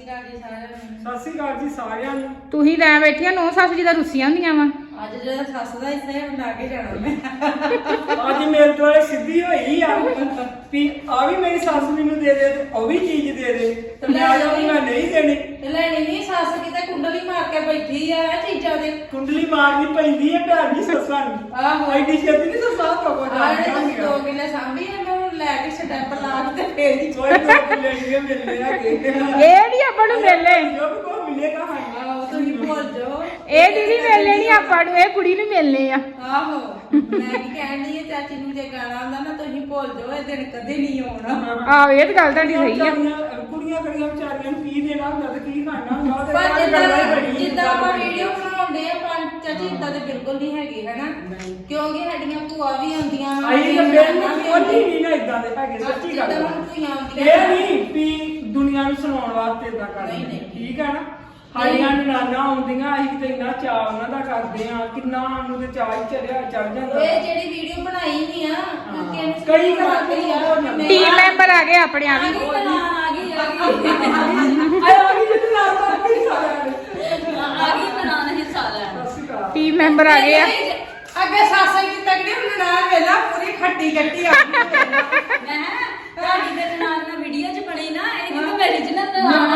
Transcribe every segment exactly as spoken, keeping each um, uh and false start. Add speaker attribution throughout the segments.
Speaker 1: ਸਤਿ ਸ਼੍ਰੀ ਅਕਾਲ ਜੀ ਸਾਰਿਆਂ ਨੂੰ।
Speaker 2: ਤੁਸੀਂ ਲੈ ਬੈਠੀਆਂ ਨੌ ਸੱਸ ਜੀ ਦਾ ਰੁੱਸੀਆਂ ਹੁੰਦੀਆਂ ਵਾ।
Speaker 3: ਅੱਜ ਜਿਹੜਾ ਸੱਸ ਦਾ ਹਿੱਸਾ ਹੈ ਬਣਾ ਕੇ ਜਾਣਾ ਮੈਂ।
Speaker 1: ਅੱਜ ਮੇਰੇ ਤੋਂ ਸਿੱਧੀ ਹੋਈ ਆ ਵੀ ਆ ਵੀ ਮੇਰੀ ਸੱਸ ਮੈਨੂੰ ਦੇ ਦੇ ਤੇ ਉਹ ਵੀ ਚੀਜ਼ ਦੇ ਦੇ ਤੇ ਮੈਂ ਆ ਜਾਊਂ ਮੈਂ ਨਹੀਂ ਦੇਣੀ
Speaker 3: ਤੇ ਲੈਣੀ ਨਹੀਂ ਸੱਸ ਕਿਤੇ ਕੁੰਡਲੀ ਮਾਰ ਕੇ ਬੈਠੀ ਆ ਇਹ ਚੀਜ਼ਾਂ ਦੇ।
Speaker 1: ਕੁੰਡਲੀ ਮਾਰਨੀ ਪੈਂਦੀ ਹੈ ਭੈਣ ਜੀ ਸੱਸਾਂ ਨੂੰ।
Speaker 3: ਆਹੋ
Speaker 1: ਐਡੀ ਛੇਤੀ ਨਹੀਂ ਸੱਸਾਂ ਤੋਂ ਕੋ
Speaker 3: ਆਹ ਤੁਸੀਂ ਦੋ ਕਿੱਲੇ ਸਾਂਭੀ ਆ ਮੈਂ ਹੁਣ ਲੈ ਕੇ ਸਟੈਪ ਲਾ ਕੇ ਤੇ ਫੇਰ ਹੀ
Speaker 1: ਕੋਈ ਦੋ ਕਿੱਲੇ ਨਹੀਂ ਮਿਲਨੇ ਆ ਕੇ
Speaker 2: ਇਹ ਨਹੀਂ ਆਪਾਂ ਨੂੰ ਮਿਲਨੇ,
Speaker 1: ਜੋ ਵੀ ਕੋ ਮਿਲੇਗਾ ਹਾਂ
Speaker 3: ਆਹੋ ਤੁਸੀਂ ਭੁੱਲ ਜਾਓ
Speaker 2: ਇਹ ਦੀਦੀ ਮਿਲਨੇ ਨਹੀਂ ਆਪਾਂ ਨੂੰ, ਇਹ ਕੁੜੀ ਨੂੰ ਮਿਲਨੇ ਆ।
Speaker 3: ਆਹੋ ਮੈਂ ਕੀ ਕਹਿਣ ਡਈ ਆ ਚਾਚੀ ਨੂੰ ਜੇ ਗਾਣਾ ਆਉਂਦਾ ਨਾ ਤੁਸੀਂ ਭੁੱਲ ਜਾਓ ਇਹ ਦਿਨ ਕਦੇ ਨਹੀਂ ਆਉਣਾ।
Speaker 2: ਆਹੋ ਇਹ ਤਾਂ ਗੱਲ ਤੁਹਾਡੀ ਸਹੀ ਆ।
Speaker 1: ਕੁੜੀਆਂ ਕੜੀਆਂ ਵਿਚਾਰੀਆਂ ਨੂੰ ਕੀ ਦੇਣਾ ਹੁੰਦਾ ਤੇ ਕੀ ਖਾਣਾ ਹੁੰਦਾ ਤੇ
Speaker 3: ਪਰ
Speaker 1: ਗੱਲ
Speaker 3: ਜਿੱਦਾਂ
Speaker 1: ਬੜੀ
Speaker 3: ਜਿੱਦਾਂ ਆਪਾਂ ਵੀਡੀਓ ਬਣਾਉਂਦੇ ਆ ਪੰਜ ਚਾਚੀ ਇਦਾਂ ਦੇ ਬਿਲਕੁਲ ਨਹੀਂ ਹੈਗੇ ਹਨਾ, ਕਿਉਂਕਿ ਸਾਡੀਆਂ ਭੂਆ ਵੀ ਆਉਂਦੀਆਂ
Speaker 1: ਆਈ ਤਾਂ ਬਿਲਕੁਲ ਕੋਈ ਨਹੀਂ ਨਾ ਇਦਾਂ ਦੇ ਹੈਗੇ ਸੱਚੀ ਗੱਲ
Speaker 3: ਜਿੱਦਾਂ ਹੁਣ ਭੂਆ ਆਉਂਦੀਆਂ
Speaker 1: ਇਹ ਨਹੀਂ ਵੀ ਦੁਨੀਆ ਨੂੰ ਸੁਣਾਉਣ ਵਾਸਤੇ ਇਦਾਂ ਕਰਦੇ ਠੀਕ ਹੈ ਨਾ। ਸਾਡੀਆਂ ਨਾਨਾ ਆਉਂਦੀਆਂ ਅਸੀਂ ਕਿਤੇ ਇੰਨਾ ਚਾਅ ਉਹਨਾਂ ਦਾ ਕਰਦੇ ਆ ਕਿੰਨਾ ਸਾਨੂੰ ਤੇ ਚਾਅ ਹੀ ਚੜਿਆ ਚੜ ਜਾਂਦਾ।
Speaker 3: ਇਹ ਜਿਹੜੀ ਵੀਡੀਓ ਬਣਾਈ ਨਹੀਂ ਆ
Speaker 1: ਕਈ ਕਰਦੇ ਯਾਰ
Speaker 2: ਟੀਮ ਮੈਂਬਰ ਆ ਗਏ ਆਪਣੇ ਆ ਵੀ।
Speaker 3: ਆ ਗਈ ਆ ਗਈ ਆ ਗਈ
Speaker 1: ਆਏ ਆ ਗਈ ਜਿੱਦ ਨਾਲ ਤਾਂ ਕੋਈ ਸਾਰਿਆਂ ਨੇ
Speaker 3: ਆ ਗਈ ਬਣਾਉਣ ਹਿੱਸਾ ਲੈਣ।
Speaker 1: ਸਤਿ ਸ਼੍ਰੀ ਅਕਾਲ।
Speaker 2: ਟੀਮ ਮੈਂਬਰ ਆ ਗਏ ਆ।
Speaker 3: ਅੱਗੇ ਸਾਸਾ ਜੀ ਤਗੜੀ ਹੁਣ ਨਾ ਵੇਲਾ ਪੂਰੀ ਖੱਟੀ ਖੱਟੀ ਆ ਗਈ ਮੈਂ ਤੁਹਾਡੀ ਦੇ ਨਾਲ ਨਾ ਵੀਡੀਓ ਚ ਬਣੀ ਨਾ ਇਹ ਕਿ ਮੇਰੀ ਜਨਤ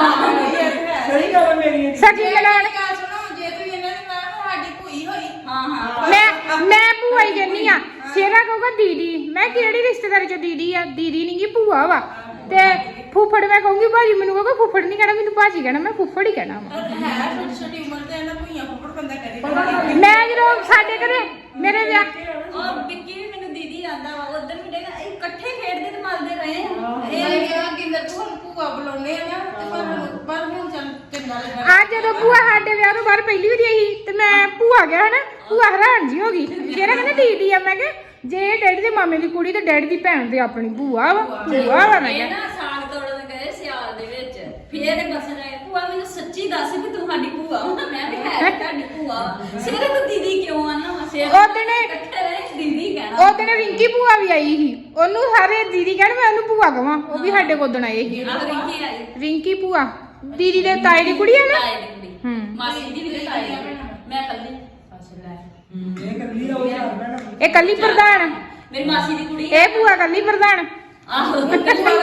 Speaker 1: ਸਹੀ ਗੱਲ ਹੈ ਮੇਰੀ
Speaker 2: ਸੱਚੀ ਮਿਲਾਨ
Speaker 3: ਗੱਲ ਸੁਣੋ ਜੇ ਤੁਸੀਂ ਇਹਨਾਂ ਦੇ ਨਾਲ ਸਾਡੀ ਭੂਈ ਹੋਈ ਹਾਂ ਹਾਂ
Speaker 2: ਮੈਂ ਮੈਂ ਭੂਆ ਹੀ ਕਹਿੰਨੀ ਆ। ਸ਼ੇਰਾ ਕਹੂਗਾ ਦੀਦੀ, ਮੈਂ ਕਿਹੜੀ ਰਿਸ਼ਤੇਦਾਰੀ ਚ ਦੀਦੀ ਆ? ਦੀਦੀ ਨਹੀਂ ਗੀ ਭੂਆ ਵਾ। ਤੇ ਫੁੱਫੜ ਮੈਂ ਕਹੂੰਗੀ ਭਾਜੀ, ਮੈਨੂੰ ਕਹੂਗਾ ਫੁੱਫੜ ਨਹੀਂ ਕਹਿਣਾ, ਮੈਨੂੰ ਭਾਜੀ ਕਹਿਣਾ, ਮੈਂ ਫੁੱਫੜ ਹੀ ਕਹਿਣਾ ਵਾ।
Speaker 3: ਹੈ ਛੋਟੀ ਛੋਟੀ ਉਮਰ ਤੇ ਇਹਨਾਂ ਭੂਈਆਂ ਫੁੱਫੜ ਬੰਦਾ ਕਰੇ।
Speaker 2: ਮੈਂ ਜਦੋਂ ਸਾਡੇ ਘਰੇ ਮੇਰੇ ਵਿਆਹ
Speaker 4: ਉਹ ਵਿੱਕੀ ਵੀ ਮੈਨੂੰ ਦੀਦੀ ਆਂਦਾ ਵਾ ਉਧਰ ਵੀ ਡੇਗਾ ਇਹ ਇਕੱਠੇ ਖੇਡਦੇ ਤੇ ਮਲਦੇ ਰਹੇ ਆ।
Speaker 3: ਇਹ ਕਿਹਾ ਗਿੰਦਰ ਤੂੰ ਹੁਣ ਭੂਆ ਬੁਲਾਉਣੇ ਆ ਨਾ ਤੇ ਪਰ ਪਰ ਹੁਣ ਚੱਲ ਚੰਗਾ ਲੱਗਾ।
Speaker 2: ਅੱਜ ਜਦੋਂ ਭੂਆ ਸਾਡੇ ਵਿਆਹ ਤੋਂ ਬਾਅਦ ਪਹਿਲੀ ਵਾਰੀ ਆਈ ਤੇ ਮੈਂ ਭੂਆ ਗਿਆ ਹਨਾ, ਭੂਆ ਹੈਰਾਨ ਜੀ ਹੋ ਗਈ। ਸ਼ੇਰਾ ਕਹਿੰਦਾ ਦੀਦੀ ਆ। ਮੈਂ ਕਿਹਾ ਜੇ ਡੈਡੀ ਦੇ ਮਾਮੇ ਦੀ ਕੁੜੀ ਤੇ ਡੈਡੀ ਦੀ ਭੈਣ ਤੇ ਆਪਣੀ ਭੂਆ ਵਾ ਭੂਆ ਵਾ। ਮੈਂ
Speaker 4: ਇਹ
Speaker 2: ਕਿਹਾ
Speaker 4: ਨਾ ਸਾਗ ਤੋੜਨ ਗਏ ਸਿਆਲ ਦੇ ਵਿੱਚ ਫੇਰ ਇਹ ਬਸ ਰਹੇ ਭੂਆ ਮੈਨੂੰ ਸੱਚੀ ਦੱਸ ਵੀ ਤੂੰ ਸਾਡੀ ਭੂਆ ਵਾ। ਮੈਂ ਵੀ ਹੈ ਤੁਹਾਡੀ ਭੂਆ ਸਿਰਫ ਦੀਦੀ ਕਿਉਂ ਆਨਾ ਵਾ ਸਿਰ
Speaker 2: ਉਹ ਦਿਨੇ
Speaker 4: ਇਕੱਠੇ ਰਹੇ ਦੀਦੀ ਕਹਿਣਾ।
Speaker 2: ਉਹ ਦਿਨ ਰਿੰਕੀ ਭੂਆ ਵੀ ਆਈ ਸੀ, ਉਹਨੂੰ ਸਾਰੇ ਦੀਦੀ ਕਹਿਣ ਮੈਂ ਉਹਨੂੰ ਭੂਆ ਕਵਾਂ। ਉਹ ਵੀ ਸਾਡੇ ਕੋਲ ਦਿਨ ਆਏ ਸੀ
Speaker 4: ਆਹ ਰਿੰਕੀ ਆਈ
Speaker 2: ਰਿੰਕੀ ਭੂਆ, ਦੀਦੀ ਦੇ ਤਾਏ ਦੀ ਕੁੜੀ ਆ ਨਾ।
Speaker 4: ਤਾਏ ਦੀ ਕੁੜੀ
Speaker 2: ਹੂੰ
Speaker 4: ਮਾਸੀ ਦੀ ਵੀ ਤਾਏ ਦੀ ਮੈਂ ਕੱਲੀ ਫਸ ਲੈ
Speaker 1: ਇਹ ਕੱਲੀ ਰਹੋ ਯਾਰ ਭੈਣ।
Speaker 2: ਇਹ ਕੱਲੀ ਪ੍ਰਧਾਨ,
Speaker 4: ਮੇਰੀ ਮਾਸੀ ਦੀ ਕੁੜੀ
Speaker 2: ਇਹ ਭੂਆ ਕੱਲੀ ਪ੍ਰਧਾਨ।
Speaker 4: ਆਹੋ ਉਹ ਵੀ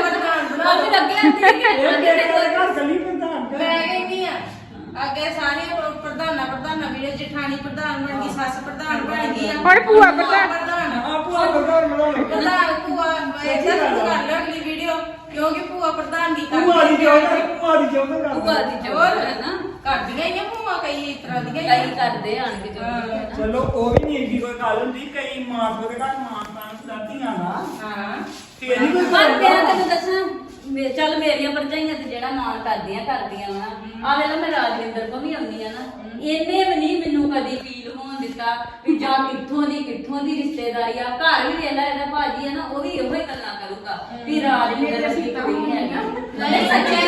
Speaker 4: ਲੱਗੇ
Speaker 1: ਇਹ ਮੇਰੇ ਘਰ ਕੱਲੀ ਪ੍ਰਧਾਨ
Speaker 3: ਮੈਂ ਕਹਿੰਦੀ ਆ ਅੱਗੇ ਸਾਰੇ ਪ੍ਰਧਾਨਾ ਪ੍ਰਧਾਨਾ ਵੀਰੇ ਜਠਾਣੀ ਪ੍ਰਧਾਨ ਬਣ ਗਈ, ਸੱਸ ਪ੍ਰਧਾਨ ਬਣ ਗਈ ਆ,
Speaker 2: ਹੁਣ ਭੂਆ ਪ੍ਰਧਾਨ।
Speaker 1: ਆ ਭੂਆ ਪ੍ਰਧਾਨ ਬਣਾਉਣਾ
Speaker 3: ਪ੍ਰਧਾਨ ਭੂਆ ਇਹਦਾ ਸ਼ੁਰੂ ਕਰ ਲਿਆ ਅਗਲੀ ਵੀਡੀਓ ਕਿਉਂਕਿ ਭੂਆ ਪ੍ਰਧਾਨ ਦੀ
Speaker 1: ਭੂਆ ਦੀ ਜੋਰ ਭੂਆ ਦੀ ਜੋਰ ਕਰ
Speaker 4: ਭੂਆ ਦੀ ਜੋਰ ਹੈ ਨਾ
Speaker 3: ਕਰਦੀਆਂ ਹੀ ਆ ਭੂਆ ਕਈ ਇਸ ਤਰ੍ਹਾਂ ਦੀਆਂ ਹੀ
Speaker 4: ਕਈ ਕਰਦੇ ਆਣ ਕੇ ਜੋ
Speaker 1: ਚਲੋ ਉਹ ਵੀ ਨਹੀਂ ਏਡੀ ਕੋਈ ਗੱਲ ਹੁੰਦੀ। ਕਈ ਮਾਂ ਪਿਓ ਦੇ ਘਰ ਮਾਂ ਤਾਂ ਦਾਦੀਆਂ ਨਾ
Speaker 3: ਹਾਂ
Speaker 1: ਤੇ ਨਹੀਂ ਕੋਈ
Speaker 4: ਪਰ ਮੈਂ ਤੈਨੂੰ ਦੱਸਾਂ ਮੇ- ਚੱਲ ਮੇਰੀਆਂ ਭਰਜਾਈਆਂ ਤੇ ਜਿਹੜਾ ਮਾਣ ਕਰਦੀਆਂ ਕਰਦੀਆਂ ਵਾ। ਆ ਵੇਲੇ ਮੈਂ ਰਾਜਵਿੰਦਰ ਕੋ ਵੀ ਆਉਂਦੀ ਆ ਨਾ, ਇਹਨੇ ਵੀ ਨਹੀਂ ਮੈਨੂੰ ਕਦੀ ਫੀਲ ਹੋਣ ਦਿੱਤਾ ਵੀ ਜਾਂ ਕਿੱਥੋਂ ਦੀ ਕਿੱਥੋਂ ਦੀ ਰਿਸ਼ਤੇਦਾਰੀ ਆ। ਘਰ ਵੀ ਵੇਲਾ ਇਹਦਾ ਭਾਜੀ ਆ ਨਾ, ਉਹ ਵੀ ਇਹੋ ਹੀ ਗੱਲਾਂ ਕਰੂਗਾ ਵੀ ਰਾਜਵਿੰਦਰ ਦੀ ਕੁੜੀ ਹੈ ਨਾ। ਨਹੀਂ ਸੱਚੇ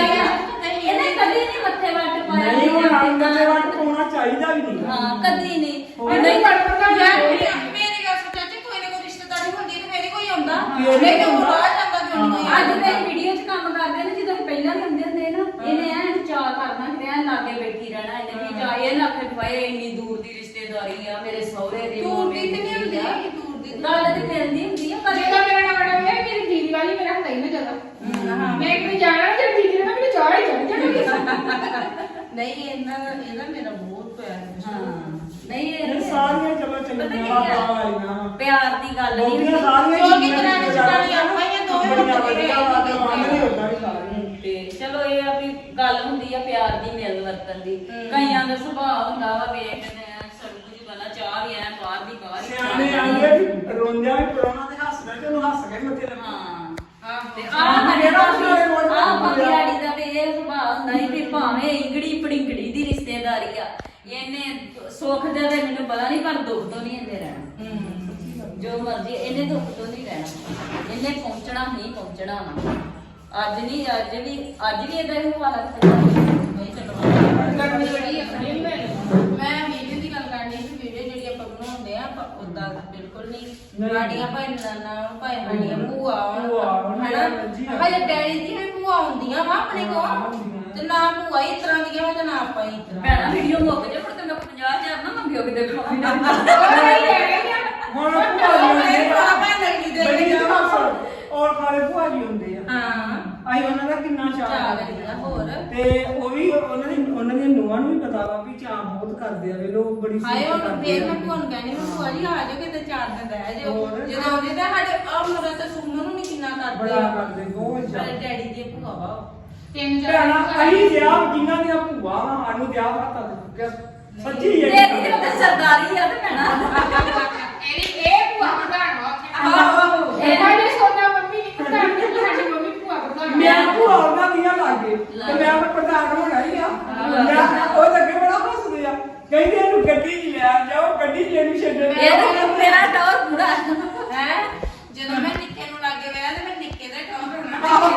Speaker 4: ਇਹਨੇ ਕਦੀ ਨਹੀਂ ਮੱਥੇ ਵੱਟ ਪਾਇਆ
Speaker 1: ਨਹੀਂ ਉਹ ਰੰਗ ਦੇ ਵੱਟ ਪਾਉਣਾ ਚਾਹੀਦਾ ਵੀ ਨਹੀਂ।
Speaker 4: ਹਾਂ ਕਦੀ ਨਹੀਂ
Speaker 3: ਨਹੀਂ ਯਾਰ ਮੇਰੀ ਗੱਲ ਸੁਣ ਚਾਚੀ ਕੋਈ ਨਾ ਕੋਈ ਰਿਸ਼ਤੇਦਾਰੀ ਹੁੰਦੀ ਤੇ ਫੇਰ ਹੀ ਕੋਈ ਆਉਂਦਾ ਨਹੀਂ ਕਿ ਉਹ ਰਾਹ ਜਾਂਦਾ ਕਿਉਂ ਨਹੀਂ ਕੋਈ
Speaker 4: ਅੱਜ ਮੈਂ ਵੀਡੀਓ 'ਚ ਕੰਮ ਕਰਦੇ ਨੇ ਜਦੋਂ ਪਹਿਲਾਂ ਵੀ ਹੁੰਦੇ ਹੁੰਦੇ ਨਾ, ਇਹਨੇ ਐ ਚਾਹ ਕਰਨਾ ਕਿ ਐ ਲਾਗੇ ਬੈਠੀ ਰਹਿਣਾ। ਇਹਨੇ ਵੀ ਜਾ ਇਹ ਲੱਖ ਰੁਪਏ ਇੰਨੀ ਦੂਰ ਦੀ ਰਿਸ਼ਤੇਦਾਰੀ ਆ ਮੇਰੇ ਸਹੁਰੇ ਦੀ
Speaker 3: ਦੂਰ ਦੀ ਤੇ ਨਹੀਂ ਹੁੰਦੀ ਦੂਰ ਦੀ
Speaker 4: ਗੱਲ ਤੇ ਮਿਲਦੀ ਹੁੰਦੀ ਆ ਪਰ
Speaker 2: ਜਿਹੜਾ ਮੇਰਾ ਨਾਲ ਬੜਾ ਹੋਇਆ ਮੇਰੀ ਦੀਦੀ ਵਾਲੀ ਮੇਰਾ ਹੁੰਦਾ ਹੀ ਨਾ ਜ਼ਿਆਦਾ। ਮੈਂ ਕਿਤੇ ਜਾਣਾ ਜੇ ਦੀਦੀ ਨੇ ਮੈਨੂੰ ਚਾਹ ਹੀ ਚੜ ਜਾਣਾ।
Speaker 3: ਨਹੀਂ ਇਹਨਾਂ ਦਾ ਇਹਦਾ ਮੇਰਾ ਬਹੁਤ ਪਿਆਰ ਹੈ।
Speaker 4: ਨਹੀਂ
Speaker 1: ਇਹ
Speaker 4: ਇਹ
Speaker 1: ਸਾਰੀਆਂ ਚਲੋ ਚੰਗੀਆਂ ਬਾਤਾਂ ਵਾਲੀਆਂ
Speaker 4: ਪਿਆਰ ਦੀ ਗੱਲ ਨਹੀਂ
Speaker 1: ਬਹੁਤੀਆਂ
Speaker 4: ਹੁੰਦੀ
Speaker 1: ਸਾਰੀਆਂ
Speaker 3: ਕਿਉਂਕਿ ਦਰਾਣੀ ਜਠਾਣੀ ਆਪਾਂ ਹੀ ਆ, ਦੋਵੇਂ
Speaker 1: ਬੜੀਆਂ
Speaker 3: ਮੁੰਡੇ
Speaker 1: ਵਧੀਆ
Speaker 3: ਰਹੇ।
Speaker 1: ਬਾਤਾਂ ਮੰਨਦੇ ਉਦਾਂ ਵੀ ਸਾਰੀਆਂ
Speaker 4: ਤੇ ਚਲੋ ਇਹ ਆ ਵੀ ਗੱਲ ਹੁੰਦੀ ਆ ਪਿਆਰ ਦੀ ਮਿਲ ਵਰਤਨ ਦੀ। ਕਈਆਂ ਦਾ ਸੁਭਾਅ ਹੁੰਦਾ ਵਾ ਵੇਖਦੇ ਆ ਸਭ ਕੁਝ ਬਣਾ ਚਾਹ ਵੀ ਐ ਬਾਹਰ ਦੀ ਬਾਹਰ ਹੀ
Speaker 1: ਸਿਆਣੇ ਆਂਦੇ ਵੀ ਰੋਂਦਿਆਂ ਵੀ ਪਰੋਣਾ ਤੇ ਹੱਸਦਾ ਤੇ ਉਹਨੂੰ ਹੱਸ ਕੇ ਮੱਥੇ ਲੱਗਾ।
Speaker 4: ਹਾਂ ਤੇ
Speaker 1: ਹਾਂ,
Speaker 4: ਆਹ
Speaker 1: ਜਿਹੜਾ ਉਸਨੇ ਰੋਜ਼
Speaker 4: ਆਹ
Speaker 1: ਬੋਲਿਆ।
Speaker 4: ਪੰਗਿਆੜੀ ਦਾ ਤੇ ਇਹ ਸੁਭਾਅ ਹੁੰਦਾ ਸੀ ਵੀ ਭਾਵੇਂ ਇੰਗੜੀ ਪੜਿੰਗੜੀ ਦੀ ਰਿਸ਼ਤੇਦਾਰੀ ਆ, ਇਹਨੇ ਸੁੱਖ ਦਾ ਤੇ ਮੈਨੂੰ ਪਤਾ ਨਹੀਂ ਪਰ ਦੁੱਖ ਤੋਂ ਨਹੀਂ ਇਹਨੇ ਰਹਿਣਾ। ਜੋ ਮਰਜ਼ੀ ਇਹਨੇ ਦੁੱਖ ਤੋਂ ਨਹੀਂ ਰਹਿਣਾ, ਇਹਨੇ ਪਹੁੰਚਣਾ ਹੀ ਪਹੁੰਚਣਾ ਵਾ। ਅੱਜ ਨਹੀਂ ਅੱਜ ਵੀ ਅੱਜ ਵੀ ਇਹਦਾ ਹੀ ਹਾਲ ਹੈ।
Speaker 3: ਮੈਂ ਵੀਡੀਓ ਦੀ ਗੱਲ ਕਰਨੀ ਸੀ। ਵੀਡੀਓ ਜਿਹੜੀ ਆਪਾਂ ਬਣਾਉਂਦੇ ਆ ਆਪਾਂ ਉਦਾਂ ਬਿਲਕੁਲ ਨਹੀਂ ਗਾੜੀਆਂ ਭਾਈ ਨਾਨਾ ਭਾਈ ਸਾਡੀਆਂ ਭੂਆ
Speaker 1: ਭੂਆ ਹੋਣ,
Speaker 3: ਹਨਾ
Speaker 1: ਜੀ।
Speaker 3: ਹਜੇ ਡੈਡੀ ਦੀ ਵੀ ਭੂਆ ਹੁੰਦੀਆਂ ਵਾ ਆਪਣੇ ਕੋਲ ਤੇ ਤੇ ਨਾ ਭੂਆ ਇਸ ਤਰ੍ਹਾਂ ਦੀਆਂ ਹੋ ਤੇ ਨਾ ਆਪਾਂ ਇਸ ਤਰ੍ਹਾਂ
Speaker 4: ਭੈਣਾ ਵੀਡੀਓ ਮੁੱਕ ਜੇ ਮੁੜ ਕੇ ਮੈਂ ਪੰਜਾਹ ਹਜ਼ਾਰ ਨਾ ਮੰਗਿਓ ਕਿਤੇ
Speaker 2: ਉਹ ਨਹੀਂ ਲੈ ਗਏ ਆ
Speaker 1: ਹੁਣ ਭੂਆ ਜੀ ਹੁੰਦੇ ਆ
Speaker 3: ਭੈਣ ਲੱਗੀ ਦੇ
Speaker 1: ਬੜੀ ਜਗ੍ਹਾ ਪਰ ਔਰ ਖਾਲੇ ਭੂਆ ਜੀ ਹੁੰਦੇ ਆ
Speaker 3: ਹਾਂ
Speaker 1: ਆਈ ਉਹਨਾਂ ਦਾ ਕਿੰਨਾ ਚਾਅ
Speaker 3: ਚਾਹ
Speaker 1: ਕਰਦੇ ਆ।
Speaker 3: ਹੋਰ
Speaker 1: ਤੇ ਉਹ ਵੀ ਉਹਨਾਂ ਦੀ ਉਹਨਾਂ ਦੀਆਂ ਨੂੰਹਾਂ ਨੂੰ ਵੀ ਪਤਾ ਵਾ ਵੀ ਚਾਹ ਬਹੁਤ ਕਰਦੇ ਆ ਵੇ ਲੋਕ ਬੜੀ
Speaker 3: ਹਾਏ
Speaker 1: ਸਿਫਤ
Speaker 3: ਹੁਣ
Speaker 1: ਕਰਦੇ
Speaker 3: ਫੇਰ
Speaker 1: ਆ।
Speaker 3: ਮੈਂ ਤੁਹਾਨੂੰ ਕਹਿੰਦੀ ਮੈਂ ਭੂਆ ਜੀ ਆ ਜਾਓ ਕਿਤੇ ਚਾਰ ਦਿਨ ਰਹਿ ਜਾਓ
Speaker 1: ਹੋਰ।
Speaker 3: ਜਦੋਂ ਆਉਂਦੇ ਤਾਂ ਸਾਡੇ ਆ ਮੁੰਡਾ ਤਾਂ ਸੁਣਨ ਨੂੰ ਨਹੀਂ ਕਿੰਨਾ ਕਰਦੇ
Speaker 1: ਬੜਾ ਕਰਦੇ ਬਹੁਤ
Speaker 3: ਸਾਡੇ
Speaker 1: ਜ਼ਿਆਦਾ
Speaker 3: ਡੈਡੀ ਦੀ ਭੂਆ ਵਾ
Speaker 2: ਤਿੰਨ
Speaker 1: ਭੈਣਾ
Speaker 2: ਚਾਰ
Speaker 1: ਅਸੀਂ ਵਿਆਹ ਜਿਨ੍ਹਾਂ ਦੀਆਂ ਭੂਆ ਵਾ ਸਾਨੂੰ ਵਿਆਹ ਹੱਥਾਂ ਤੇ ਚੁੱਕਿਆ ਸੱਚੀ ਇਹ
Speaker 4: ਤੇਰੀ ਤੇ ਉੱਤੇ ਸਰਦਾਰੀ ਆ ਤੇ ਭੈਣਾ
Speaker 2: ਇਹਦੀ ਇਹ ਭੂਆ ਪ੍ਰਧਾਨ ਵਾ
Speaker 3: ਆਹੋ
Speaker 2: ਇਹ ਸਾਡੀ ਸੋਨਾ ਮੰਮੀ ਨਹੀਂ ਪ੍ਰਧਾਨ ਨਹੀਂ ਸਾਡੀ ਮੰਮੀ ਭੂਆ ਪ੍ਰਧਾਨ
Speaker 1: ਮੈਂ ਭੂਆ ਉਹਨਾਂ ਦੀਆਂ ਲਾਗੇ ਤੇ ਮੈਂ ਫਿਰ ਪ੍ਰਧਾਨ ਹੋਣਾ ਹੀ ਆ ਮੈਂ ਉਹ ਲੱਗੇ ਬੜਾ ਹੱਸਦੇ ਆ ਕਹਿੰਦੇ ਇਹਨੂੰ ਗੱਡੀ 'ਚ ਲੈ ਜਾਓ ਗੱਡੀ 'ਚ ਇਹਨੂੰ ਛੱਡਣ
Speaker 4: ਇਹ ਤਾਂ ਮੇਰਾ ਟੌਰ ਪੂਰਾ
Speaker 3: ਹੈ ਜਦੋਂ ਮੈਂ ਨਿੱਕੇ ਨੂੰ ਲੱਗੇ ਵਿਆਹ ਤੇ ਮੈਂ ਨਿੱਕੇ ਦਾ ਟੌਰ ਹੋਣਾ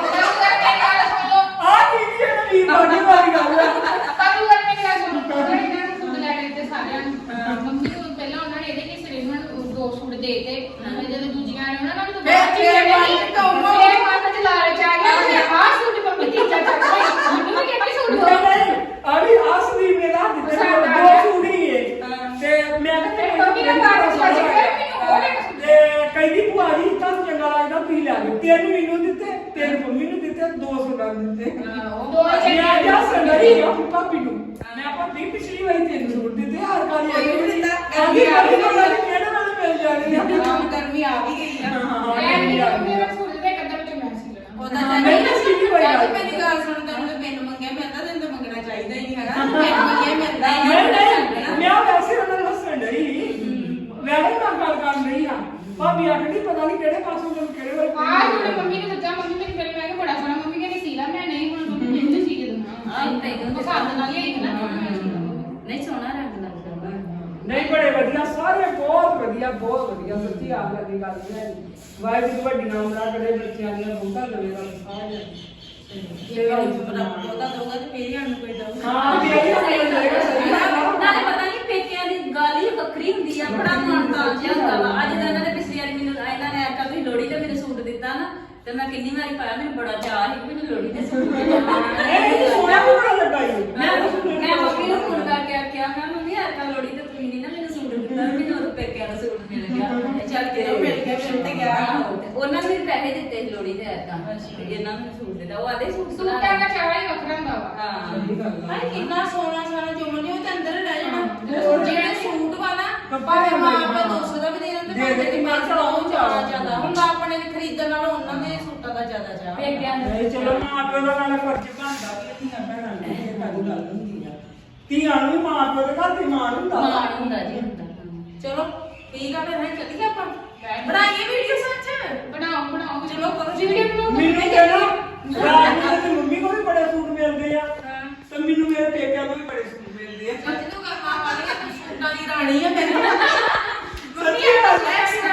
Speaker 1: ਆ ਕੀ ਕੀ ਇਹ ਵੀਰ ਬਾਡੀ ਵਾਲੀ ਗੱਲ ਆ
Speaker 2: ਕਾਹਨੂੰ ਕਰ ਮੇਰੀ ਗੱਲ ਸੁਣ ਉਹਨਾਂ ਨੇ ਇਹਨਾਂ ਨੂੰ ਸੂਟ ਲੈ ਕੇ ਦਿੱਤੇ ਸਾਰਿਆਂ ਨੂੰ ਮੰਮੀ ਨੂੰ ਪਹਿਲਾਂ ਉਹਨਾਂ ਨੇ ਇਹਦੇ ਕਿਸੇ ਨੇ ਉਹਨਾਂ ਨੂੰ ਦੋ ਸੂਟ ਦੇ ਦਿੱਤੇ ਜਦੋਂ ਦੂਜੀਆਂ ਨੇ ਉਹਨਾਂ ਨੂੰ
Speaker 3: ਫਿਰ- ਫਿਰ ਮਨ ਚ ਟੋਮੋ।
Speaker 2: ਇਹ ਮਨ ਚ ਲਾਲਚ ਆ ਗਿਆ ਕਿ ਆਹ ਸੂਟ ਮੰਮੀ ਤੀਜਾ ਚੱਕ ਲਈ ਮੈਨੂੰ ਵੀ ਕਹਿੰਦੀ ਸੂਟ ਦੋ
Speaker 1: ਨਹੀਂ ਅਭੀ ਆਸਲੀ ਮੇਰਾ ਦਿੱਤੇ ਦੋ ਸੂੜੀ ਏ ਤੇ ਮੈਂ
Speaker 2: ਤੇ ਮੰਮੀ ਨੇ ਬਾਅਦ ਚ ਅੱਜ ਫਿਰ ਮੈਨੂੰ ਉਹ ਲੈ ਕੇ ਸੂਟ
Speaker 1: ਤੇ ਕਹਿੰਦੀ ਭੂਆ ਜੀ ਤੁਹਾਨੂੰ ਚੰਗਾ ਲੱਗਦਾ ਤੁਸੀਂ ਲੈ ਲਓ ਤਿੰਨ ਮੈਨੂੰ ਦਿੱਤੇ ਤਿੰਨ ਮੰਮੀ ਨੂੰ ਦਿੱਤੇ ਦੋ ਸੁਣਾ ਦਿੱਤੇ
Speaker 2: ਦੋ
Speaker 1: ਮੈਂ ਜਾ ਸੰਗਰੀ ਆ ਭਾਬੀ ਨੂੰ ਮੈਂ ਭਾਬੀ ਪਿਛਲੀ ਵਾਰੀ ਤਿੰਨ ਸੂਟ ਦਿੱਤੇ ਹਰ ਕਾਲੀ
Speaker 3: ਕੋਈ ਵੀ
Speaker 1: ਆਈ
Speaker 3: ਦਿੱਤਾ,
Speaker 1: ਆਂਦੀ ਕਾਲੀ ਕਾਲੀ ਕਿਹੜੇ ਵੇਲੇ ਮਿਲ ਜਾਣੇ ਆ
Speaker 3: ਕੰਮ ਗਰਮੀ ਆ ਵੀ ਗਈ ਆ
Speaker 1: ਹਾਂ,
Speaker 2: ਮੈਂ
Speaker 1: ਗਰਮੀ ਆ
Speaker 2: ਮੰਮੀ
Speaker 1: ਗਈ
Speaker 2: ਨੇ
Speaker 1: ਆ।
Speaker 2: ਸੂਟ ਦੇ ਕੱਢ ਵਿੱਚ ਮੈਂ ਸੀ ਲੈਣਾ
Speaker 3: ਉਹਦਾ
Speaker 1: ਹਾਂ, ਨਹੀਂ ਤਾਂ ਸਿੱਧੀ ਹੋਈ ਗੱਲ।
Speaker 3: ਚਾਚੀ ਮੇਰੀ ਗੱਲ ਸੁਣ ਤੈਨੂੰ ਤੇ ਮੈਨੂੰ ਮੰਗਿਆ ਮੈਂ ਤਾਂ ਤੈਨੂੰ ਤਾਂ ਮੰਗਣਾ ਚਾਹੀਦਾ ਹੀ ਨਹੀਂ ਹੈਗਾ ਮੈਨੂੰ ਮੰਗਿਆ ਮਿਲਦਾ ਹੀ
Speaker 1: ਨਹੀਂ ਨਹੀਂ ਮੈਂ ਵੈਸੇ ਉਹਨਾਂ ਨੂੰ ਹੱਸਣ ਡਈ ਵੈਸੇ ਮੈਂ ਗੱਲ ਕਰ ਰਹੀ ਆ ਭਾਬੀ ਆਖਦੀ ਪਤਾ ਨਹੀਂ ਕਿਹੜੇ ਪਾਸੋਂ ਮੈਨੂੰ ਕਿਹੜੇ ਵੇਲੇ
Speaker 2: ਆਹ ਹੁਣ ਮੰਮੀ ਨੇ ਦਿੱਤਾ ਮੰਮੀ ਮੇਰੀ ਮੇਰੇ ਮੈਂ ਕਿਹਾ ਬੜਾ ਸੋਹਣਾ ਮੰਮੀ ਕਹਿੰਦੀ ਸੀ ਲਾ ਮੈਂ ਨਹੀਂ ਹੁਣ ਮੰਮੀ ਮੈਨੂੰ ਸੀ ਕੇ ਦੇਣਾ
Speaker 4: ਆਹ ਤੈਨੂੰ
Speaker 2: ਉਹ ਸਾਥ ਨਾਲ ਹੀ ਨਾ
Speaker 4: ਨਹੀਂ ਸੋਹਣਾ ਰੰਗ ਲੱਗਦਾ
Speaker 1: ਨਹੀਂ ਬੜੇ ਵਧੀਆ ਸਾਰੇ ਬਹੁਤ ਵਧੀਆ ਬਹੁਤ ਵਧੀਆ ਸੱਚੀ ਆਪ ਲੱਗੀ ਗੱਲ ਨਹੀਂ ਹੈ ਵਾਹਿਗੁਰੂ ਵੱਡੀ ਨਾਮ ਦਾ ਕਰੇ ਬੱਚਿਆਂ ਦੀਆਂ ਬੂਟਾ ਦੇਵੇਗਾ ਸਾਰੇ
Speaker 3: ਇਹ ਗੱਲ ਉਹਦਾ ਦੋਗਾ ਤੇ ਫੇਰ ਹੀ ਸਾਨੂੰ ਕੋਈ ਦਊਗਾ
Speaker 1: ਹਾਂ ਵੀ ਇਹ ਹੋ ਜਾਏਗਾ ਸਹੀ ਗੱਲ ਆ।
Speaker 4: ਨਾਲੇ ਪਤਾ ਨਹੀਂ ਪੇਕਿਆਂ ਦੀ ਗੱਲ ਹੀ ਵੱਖਰੀ ਹੁੰਦੀ ਆ ਬੜਾ ਮਨ ਤਾਲ ਜਿਹਾ ਹੁੰਦਾ ਵਾ ਅੱਜ ਤਾਂ ਇਹਨਾਂ ਦੇ ਪਿਛਲੀ ਵਾਰੀ ਮੈਨੂੰ ਇਹਨਾਂ ਨੇ ਆਖਿਆ ਵੀ ਲੋਹੜੀ ਤੇ ਮੈਨੂੰ ਸੂਟ ਦਿੱਤਾ ਨਾ ਤੇ ਮੈਂ ਕਿੰਨੀ ਵਾਰੀ ਪਾਇਆ ਮੈਨੂੰ ਬੜਾ ਚਾਅ ਸੀ ਕਿ ਮੈਨੂੰ ਲੋਹੜੀ ਤੇ ਸੂਟ ਦਿੱਤਾ
Speaker 1: ਇਹ ਸੋਹਣਾ ਵੀ ਬੜਾ ਲੱਗਾ ਈ
Speaker 4: ਮੈਂ ਮੈਂ ਮੰਮੀ ਨੂੰ ਫੋਨ ਕਰਕੇ ਆਖਿਆ ਮੈਂ ਮੰਮੀ ਆਖਿਆ ਲੋਹੜੀ ਤੇ ਤੁਸੀਂ ਨਹੀਂ ਨਾ ਮੈਨੂੰ ਸੂਟ ਦਿੱਤਾ ਮੈਨੂੰ ਉਹ ਪੇਕਿਆਂ ਦਾ ਸੂਟ ਮਿਲ ਗਿਆ ਇਹ ਚੱਲ ਕੇ
Speaker 3: ਮਿਲ ਗਿਆ, ਮਿਲ ਤੇ ਗਿਆ।
Speaker 4: ਆਹੋ, ਤੇ ਉਹਨਾਂ ਨੇ ਵੀ ਪੈਸੇ ਦਿੱਤੇ ਸੀ ਲੋਹੜੀ ਤੇ ਐਦਾਂ ਇਹਨਾਂ ਨੂੰ ਸੂਟ ਦਿੱਤਾ ਉਹ ਆਦੇ ਸੂਟ
Speaker 2: ਸੂਟਾਂ ਦਾ ਚਾਵਾ ਹੀ ਵੱਖਰਾ ਹੁੰਦਾ ਵਾ
Speaker 4: ਹਾਂ
Speaker 1: ਸਹੀ ਗੱਲ ਆ।
Speaker 3: ਭਾਈ ਕਿੰਨਾ ਸੋਹਣਾ ਸੋਹਣਾ ਚੁੰਮਣ ਉਹ ਤੇ ਅੰਦਰ ਰਹਿ ਜਾਣਾ
Speaker 1: ਹੋਰ
Speaker 3: ਜਿਹੜੇ ਸੂਟ ਵਾ ਨਾ
Speaker 1: ਕੱਪੜੇ
Speaker 3: ਭਾਵੇਂ ਮਾਂ
Speaker 1: ਦੇ
Speaker 3: ਆਪੇ ਦੋ ਸੌ ਦਾ ਵੀ ਦੇ ਦਿੰਦੇ
Speaker 1: ਦੇ ਦੇ
Speaker 3: ਭਾਵੇਂ
Speaker 1: ਕੇ
Speaker 3: ਮੈਂ
Speaker 1: ਮੈਂ
Speaker 3: ਚਲਾਉਂ
Speaker 1: ਚਲਾਊਂ
Speaker 3: ਜ਼ਿਆਦਾ ਜ਼ਿਆਦਾ ਹੁਣ ਆਪਣੇ ਦੇ ਖਰੀਦਣ ਨਾਲੋਂ ਉਹਨਾਂ ਦੇ ਸੂਟਾਂ ਦਾ ਜ਼ਿਆਦਾ ਚਾਹ
Speaker 4: ਪੇਕਿਆਂ ਦੇ
Speaker 1: ਨਹੀਂ ਚਲੋ ਮਾਂ ਪਿਓ ਦਾ ਨਾਲ ਫਰਜ਼ ਬਣਦਾ ਵੀ ਧੀਆਂ ਭੈਣਾਂ ਨੂੰ ਇਹ ਕਾਹਦੀ ਗੱਲ ਹੁੰਦੀ ਆ ਧੀਆਂ ਨੂੰ ਵੀ ਮਾਂ ਪਿਓ ਦੇ ਘਰ ਦੀ ਮਾਂ ਹੁੰਦਾ ਵਾ।
Speaker 4: ਮਾਣ ਹੁੰਦਾ ਜੀ ਹੁੰਦਾ
Speaker 3: ਚਲੋ ਠੀਕ ਆ ਫਿਰ ਮੈਂ ਚੱਲੀਏ ਆਪਾਂ ਬਣਾਈਏ ਵੀਡੀਓ ਸੱਚ
Speaker 2: ਬਣਾਓ ਬਣਾਓ
Speaker 3: ਚਲੋ ਕਰੋ
Speaker 2: ਵੀਡੀਓ ਬਣਾਓ
Speaker 1: ਮੈਨੂੰ ਕਹਿੰਦਾ ਰਾਜ ਤੇ ਮੰਮੀ ਕੋਲ ਵੀ ਬੜੇ ਸੂਟ ਮਿਲਦੇ ਆ ਤੇ ਮੈਨੂੰ ਮੇਰੇ ਪੇਕਿਆਂ ਤੋਂ ਵੀ ਬੜੇ ਸੂਟ ਮਿਲਦੇ ਆ
Speaker 3: ਅੱਜ ਤੂੰ ਕਹਾਂ ਵਾਲੀ ਤੂੰ ਸੂਟਾਂ ਦੀ ਰਾਣੀ ਆ ਮੇਰੇ
Speaker 1: ਸੱਚੀ ਗੱਲ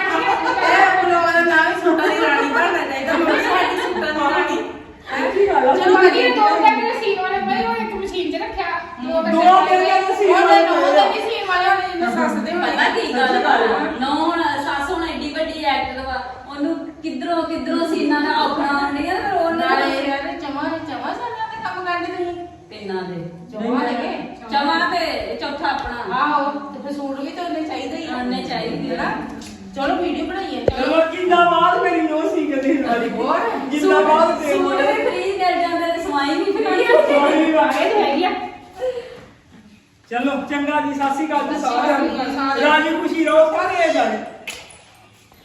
Speaker 1: ਆ।
Speaker 3: ਇਹ ਬੁਲਾਵਾ ਦਾ ਨਾਮ ਹੀ ਸੂਟਾਂ ਦੀ ਰਾਣੀ ਬਣਨਾ ਚਾਹੀਦਾ ਮੰਮੀ ਸਾਡੀ ਸੂਟਾਂ ਦੀ ਰਾਣੀ
Speaker 1: ਸੱਚੀ ਗੱਲ ਆ।
Speaker 2: ਚਲੋ ਬਾਕੀ ਦੋ ਕੈਮਰੇ ਸੀਨ ਵਾਲੇ ਪਏ ਉਹ ਇੱਕ ਮਸ਼ੀਨ 'ਚ ਰੱਖਿਆ ਦੋ
Speaker 1: ਦੋ ਕੈਮਰੇ ਸੀਨ
Speaker 3: ਉਹਦੇ
Speaker 1: ਵਾਲੇ
Speaker 3: ਨੂੰ
Speaker 1: ਪਏ ਆ।
Speaker 3: ਉਹਦੇ ਸੀ ਵਾਲੇ ਹੋਣੇ ਜਿੰਨਾ ਸੱਸ ਦੇ ਹੋਣੇ
Speaker 4: ਪਤਾ ਕੀ ਗੱਲ ਵਾ ਨੌ ਹੁਣ ਸੱਸ ਹੁਣ ਐਡੀ ਵੱਡੀ ਐਕਟਰ ਵਾ ਉਹਨੂੰ ਕਿੱਧਰੋਂ ਕਿੱਧਰੋਂ ਸੀਨਾਂ ਦਾ ਔਖਣਾ ਆਉਂਦੀਆਂ ਤੇ ਫਿਰ ਉਹਨਾਂ
Speaker 3: ਨਾਲੇ
Speaker 4: ਦੇ
Speaker 3: ਯਾਰ ਚਮਾ ਚਮਾ ਸਾਲਾਂ ਦੇ ਕੰਮ ਕਰਦੇ ਤੁਸੀਂ
Speaker 4: ਤਿੰਨਾਂ ਦੇ
Speaker 3: ਚਮਾ ਲਗੇ
Speaker 4: ਚਮਾ ਤੇ ਚੌਥਾ ਆਪਣਾ
Speaker 3: ਆਹੋ ਤੇ ਫਿਰ ਸੂਟ ਵੀ ਤਾਂ ਉਹਨੇ ਚਾਹੀਦਾ ਹੀ ਆ
Speaker 4: ਉਹਨੇ ਚਾਹੀਦੀ ਆ।
Speaker 3: ਚਲੋ ਵੀਡੀਓ ਬਣਾਈਏ
Speaker 1: ਚਲੋ ਜਿੰਦਾਬਾਦ ਮੇਰੀ ਨੋ ਸੀ ਕਦੇ ਵਾਲੀ
Speaker 3: ਹੋਰ?
Speaker 1: ਜਿੰਦਾਬਾਦ ਤੇ
Speaker 4: ਸੂਟ ਵੀ ਫ੍ਰੀ ਮਿਲ ਜਾਂਦੇ ਤੇ ਸਵਾਈ ਵੀ ਫ੍ਰੀ
Speaker 1: ਸੋਹਣੀ ਵਾਹ
Speaker 2: ਇਹ ਤਾਂ ਹੈਗੀ ਆ
Speaker 1: ਚਲੋ ਚੰਗਾ ਜੀ ਸਤਿ ਸ਼੍ਰੀ ਅਕਾਲ ਜੀ ਸਾਰਿਆਂ
Speaker 2: ਸਤਿ ਸ਼੍ਰੀ ਅਕਾਲ
Speaker 1: ਨੂੰ ਰਾਜੀ ਖੁਸ਼ੀ ਰਹੋ ਸਾਰੇ ਜਾਣੇ